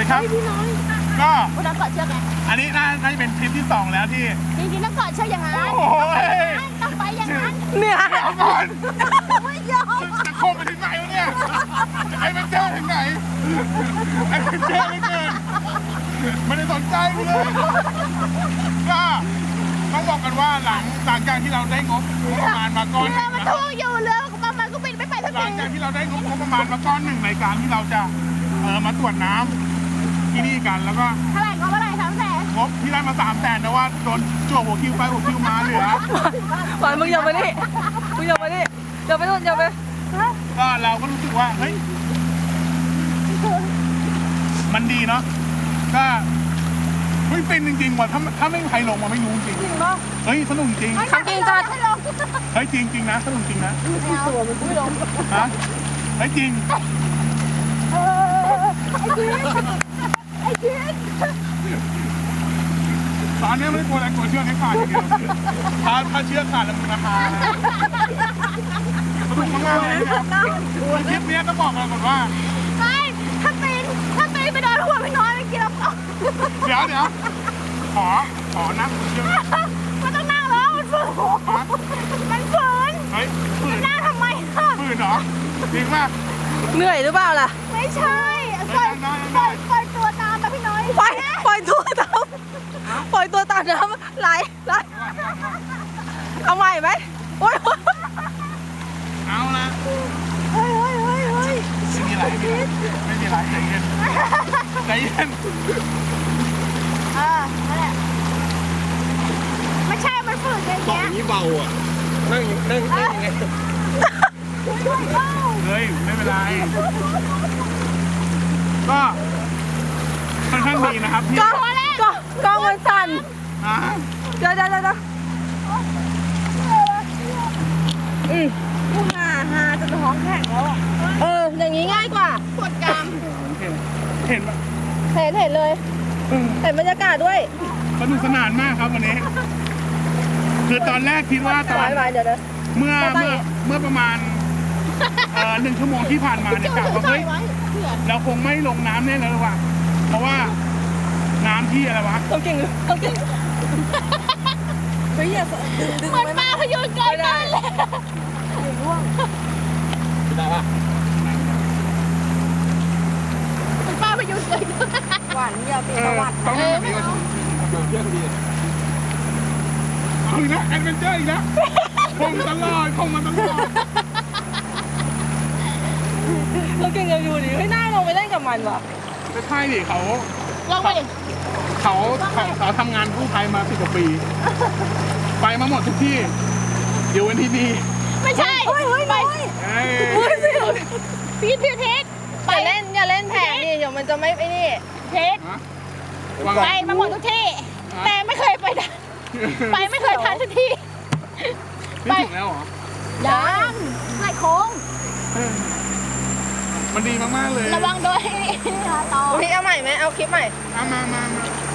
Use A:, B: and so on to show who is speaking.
A: ครับก็
B: คุณต้องกอดเชือกไง
A: อันนี้น่าจะเป็นทริปที่2แล้วที่
B: จริงๆต้องกอดเชือกอย่างนั้น
A: โอ้โห
B: ต้องไปอย่างนั้น
C: เนี่ย
A: เดี๋ยวก่อน
B: ไม่ยอม
A: จะโคมไปถึงไหนวะเนี่ยไอ้เป็นเจ้าถึงไหนไอ้เป็นเจ้าไม่เกินไม่ได้สนใจกูเลยก็ต้องบอกกันว่าหลังจากที่เราได้งบประมาณมาก้อนห
B: เรือ
A: นึ่ง
B: มัน
A: นะ
B: ทุ่งอยู่เรือประมาณก็บินไม่ไปสัก
A: หลั
B: ที
A: งจากที่เราได้งบประมาณมาก้อนหนึ่งในการที่เราจะมาตรวจน้ำที่นี่กันแล้วก็
B: เท่าไหร่ก็เท่าไหร่300,000
A: งบที่ได้มา300,000แต่ว่าโดนจั่วหัวคิวไปหัวคิวมาเหลือ
C: หวานมึงอย่ามาดิมึงอย่ามาดิอย่าไปนู่นอย่าไป
A: ก็เราก็รู้สึกว่าเฮ้ยมันดีเนาะก็เฮ้ยเป็นจริงๆว่ะถ้าไม่มีใครลงมาไม่รู้จริง
B: จริงป่ะ
A: เฮ้ยสนุกจริง
B: ไม่จริงจัดให้ลง
A: เฮ้ยจริงนะสนุกจริงนะ
B: ตัวมันไม่ลง
A: ฮะเฮ้ยจริง
B: ไอ้จีน
A: ตอนนี้ไม่ได้กลัวอะไรกลัวเชือกให้ขาดอย่างเดียวถ้าเชือกขาดแล้วมันราคาสนุกมากๆเลยนะครับคลิปนี้ก็บอกกันก่อนว่า
B: ไม่ถ้าตีนไปโดนหัวไม่น้อยไม่กินแล้ว
A: เดี๋ยวขอนั่งเชือก
B: มันต้องนั่งแล้วมันฝืนมันฝืน
A: เฮ้ยฝืน
B: นั่งทำไมคะ
A: ฝืนเหรอจริงมาก
C: เหนื่อยหรือเปล่าล่ะ
B: ไม่ใช่ปล่อยตัวตามแบบพี่น้อย
C: ปล่อยตัวตามปล่อยตัวตามน้ำไหลเอาใหม่ไหมโอ๊ย
A: เอาละ
B: เฮ้ย
A: ไม่มีไรใจเย็นใจเย็น
B: นั่นแหละไม่ใช่มันฝืนอย่าง
D: ต่อ
B: เงี้
D: อย ย่างนี้เบาอ่ะ นั่งยังไง
A: เฮ้ยไม่เป็นไรก็ค่อนข้างดีนะครับที่
C: กล้องมันสั่น
A: อ่ะ
C: เดี๋ยวกูหาจนท้องแข็งแล้วอย่างนี้ง่ายกว่า
B: ปวดกราม
A: เห็นปะ
C: เห็นเลยเห็นบรรยากาศด้วย
A: สนุกสนานมากครับวันนี้ คือตอนแรกคิดว่าตอน
C: ไว้เดี๋ยวนะ
A: เมื่อประมาณ1 ชั่วโมงที่ผ่านมาเนี่ยกะว่าเฮ้ยเราคงไม่ลงน้ำแน่แล้วว่ะเพราะว่าน้ำที่อะไรวะ
C: ต้องเก่งเฮ้ยอย่าดึง
B: เหมือนปลาพยูนเกินต้นเลย
D: ได้ปะ
B: เหมือนปลาพยูนเกินต้น
C: หวานอย่าเป็นประวัติ
A: ต้องแบบนี้ก่อน
D: เที่ยวดี
A: เอาอีกแล้วแอดเวนเจอร์อีกแล้วคงมาตลอด
C: เราเก่งกันอยู่ดิไม่น่าลงไปเล่นกับมันว่ะ
A: ไม่ใช่ดิเขา
B: ลองไปดิ
A: เขาทำงานกู้ภัยมา10 กว่าปี ไปมาหมดทุกที่อยู่วันที่นี่
B: ไม่ใช่ไป
A: เอ้ย
B: พีทเทส
C: อย่าเล่นแผงดิเดี๋ยวมันจะไม่ไอ้นี่
B: เทส
A: ฮะวาง
B: ไปมาหมดทุกที่ แต่ไม่เคยไปไม่เคยทันสักที
A: ไม่ถึงแล้วเหรอ
B: ยังไล่โค้ง
A: มันดีมากๆเลย
B: ระวังโดยต่อ
C: พี่เอาใหม่ไหมเอาคลิปใหม่
A: มา